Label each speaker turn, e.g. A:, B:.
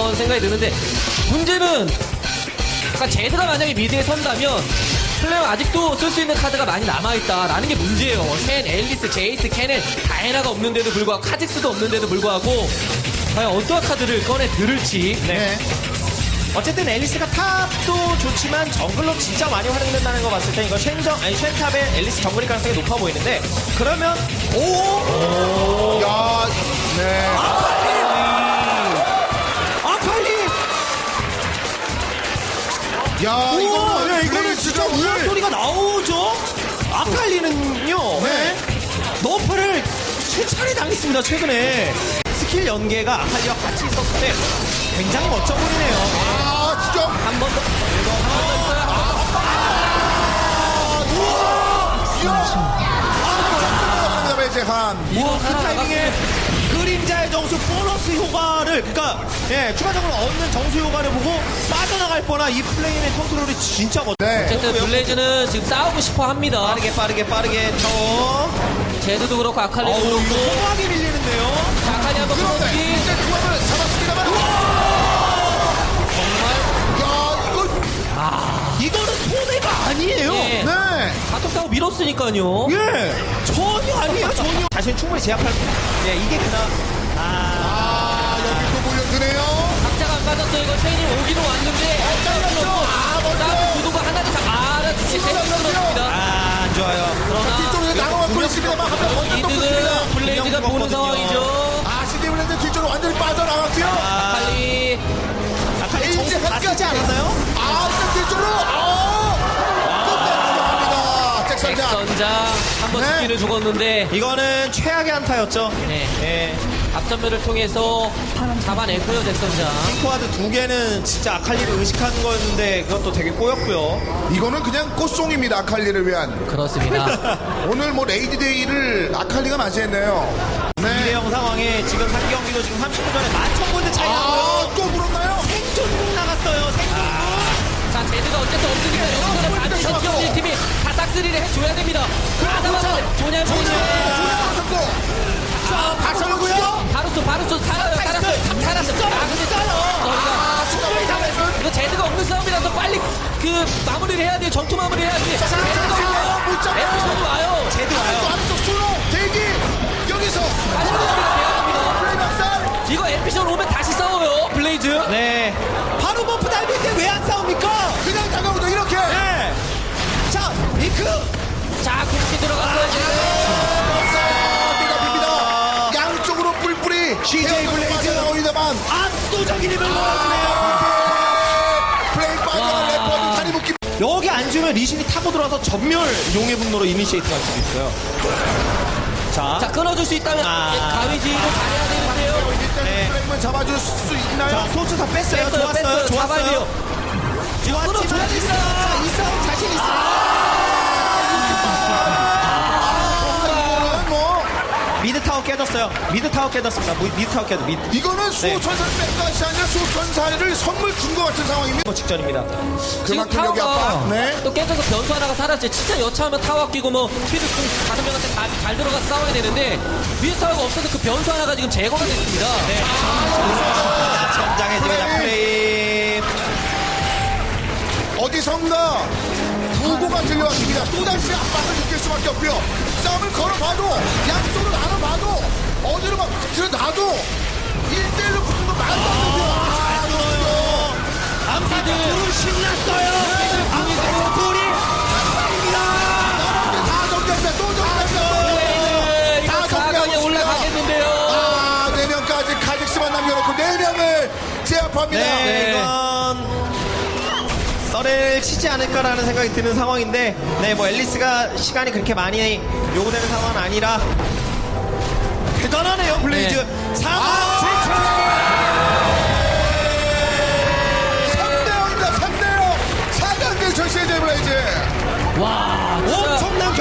A: 그런 생각이 드는데 문제는 약간 제드가 만약에 미드에 선다면 플레이어 아직도 쓸 수 있는 카드가 많이 남아있다라는 게 문제예요. 쉔, 앨리스, 제이스, 캐넨, 다이애나가 없는데도 불구하고 카직스도 없는데도 불구하고 과연 어떠한 카드를 꺼내 들을지.
B: 네. 어쨌든 앨리스가 탑도 좋지만 정글로 진짜 많이 활용된다는 거 봤을 때 이거 쉔탑의 앨리스 정글일 가능성이 높아 보이는데 그러면
C: 야, 네.
B: 아칼리
C: 야,
B: 이거는 진짜 우연 소리가 나오죠. 아칼리는요.
C: 네.
B: 너프를 3차례 당했습니다 최근에. 스킬 연계가 아칼리와 같이 있었을 때 굉장히 멋져 보이네요.
C: 아, 진짜.
A: 한 번 더.
B: 그 타이밍에 그림자의 정수 보너스 효과를 그러니까 추가적으로 얻는 정수 효과를 보고 빠져나갈 뻔한 이 플레이의 컨트롤이 진짜 멋져.
C: 네.
A: 어쨌든 블레이즈는 지금 싸우고 싶어 합니다.
B: 빠르게 쳐.
A: 제드도 그렇고 아칼리도
B: 이거
A: 그렇고.
B: 소화하게 밀리는데요.
A: 자, 아칼리 한번 끊어주기.
C: 이제 조합을 잡았습니다만.
B: 이거는 손해가 아니에요.
A: 네.
C: 네.
A: 바텀 타고 밀었으니까요.
B: 전혀 아니에요. 전혀. 자신 충분히 제압할. 이게 그나마.
C: 여기 또 몰려드네요.
A: 각자가 안 맞았어요. 이거 체인이 오기로 왔는데. 나 구도가 하나를 다
B: 안 좋아요.
A: 그러나
C: 뒤쪽으로 나눠갖고 있습니다만 한명 먼저 또
A: 이득은
C: 붙습니다.
A: 블레이즈가 보는 상황이죠.
C: 시티 블레이즈 뒤쪽으로 완전히 빠져나갔고요.
A: 아칼리.
B: 아칼리
C: 이제
B: 정수 다
C: 한까지
B: 쓰지 않았나요?
C: 일단 뒤쪽으로. 끝내주합니다. 잭선장.
A: 전장 한번
C: 네.
A: 죽기를 죽었는데.
B: 이거는 최악의 한타였죠.
A: 네. 앞전면을 통해서 잡아냈고요, 잭선장.
B: 핑크와드 2개는 진짜 아칼리를 의식하는 거였는데 그것도 되게 꼬였고요.
C: 이거는 그냥 꽃송입니다. 아칼리를 위한.
A: 그렇습니다.
C: 오늘 뭐 레이디데이를 아칼리가 맞이했네요. 네.
B: 2대0 상황에 지금 한 경기도 지금 30분 전에 11,000골드 차이 나고요.
C: 또 물었나요?
B: 생존국 나갔어요. 생존국.
A: 자, 제드가 어쨌든 없으니까 여기서는 반드시 지원진 팀이 다 싹쓸이를 해줘야 됩니다. 하다만 조냐.
C: 자, 박선호고요.
A: 바루스 살아요. 살았어.
C: 충분히 잡았어요.
A: 이거 제드가 없는 싸움이라서 빨리 그 마무리를 해야 돼요. 전투 마무리 해야지. 제드가
C: 못 잡아요.
A: 에피소드 와요.
B: 제드 와요.
C: 안쪽 수로 대기. 여기서
A: 빨리 마무리가 돼야 됩니다.
C: 플레이 박살.
A: 이거 에피소드 오면 다시 싸워요. 블레이즈.
B: 네. 바로 버프 달릴 때 왜 안 싸웁니까?
C: 그냥 다가오죠 이렇게.
B: 네. 자, 링크.
A: 자, 그렇게 들어갔어요.
C: 니다 양쪽으로 뿔뿔이.
B: CJ 블레이즈.
C: 나옵니다만.
B: 압도적인 힘을 보여주네요.
C: 플레이 빠져나갈 래퍼도 다리 묶기.
B: 여기 앉으면 리신이 타고 들어와서 전멸 용의 분노로 이니시에이트 갈 수도 있어요.
A: 자, 끊어줄 수 있다면 가위지로 잘해야 되는데요.
B: 네.
C: 플레이만 잡아줄 수 있나요?
B: 자, 소츠 다 뺐어요. 좋았어요.
A: 잡아야
B: 좋았어요.
A: 돼요.
B: 좋았지만 이 싸움 자신 있어요.
C: 이거는 뭐
B: 미드 타워 깨졌어요. 미드 타워 깨졌습니다. 미드 타워 깨졌. 미드
C: 이거는 수호천사를 뺀 것이 아니라 수호천사를 선물 준 것 같은 상황입니다.
B: 직전입니다.
A: 지금
C: 그만큼 여기
A: 타워가
C: 아빠. 네.
A: 또 깨져서 변수 하나가 사라졌지. 진짜 여차하면 타워 끼고 뭐 퀴드 다섯 명한테 잘 들어가서 싸워야 되는데 위에 타워가 없어서 그 변수 하나가 지금 제거가 됐습니다.
B: 네. 전장해집니다. 플레이.
C: 어디선가 부고가 들려왔습니다. 또다시 압박을 느낄 수밖에 없고요. 싸움을 걸어봐도 양쪽으로 나눠봐도 어디로 막 들어놔도 1대1로 붙는 거 말도 안 되고요.
B: 암사들 둘은 신났어요. 암사들 둘이 합사입니다.
C: 다 정리합니다. 또 정리합니다.
A: 이거
C: 다
A: 4강에
C: 정리하고
A: 올라가겠는데요.
C: 4명까지 카직스만 남겨놓고 4명을 제압합니다.
B: 네, 이건 썰을 치지 않을까라는 생각이 드는 상황인데, 네, 뭐 앨리스가 시간이 그렇게 많이 요구되는 상황은 아니라 대단하네요, 블레이즈.
A: 네.
B: 상황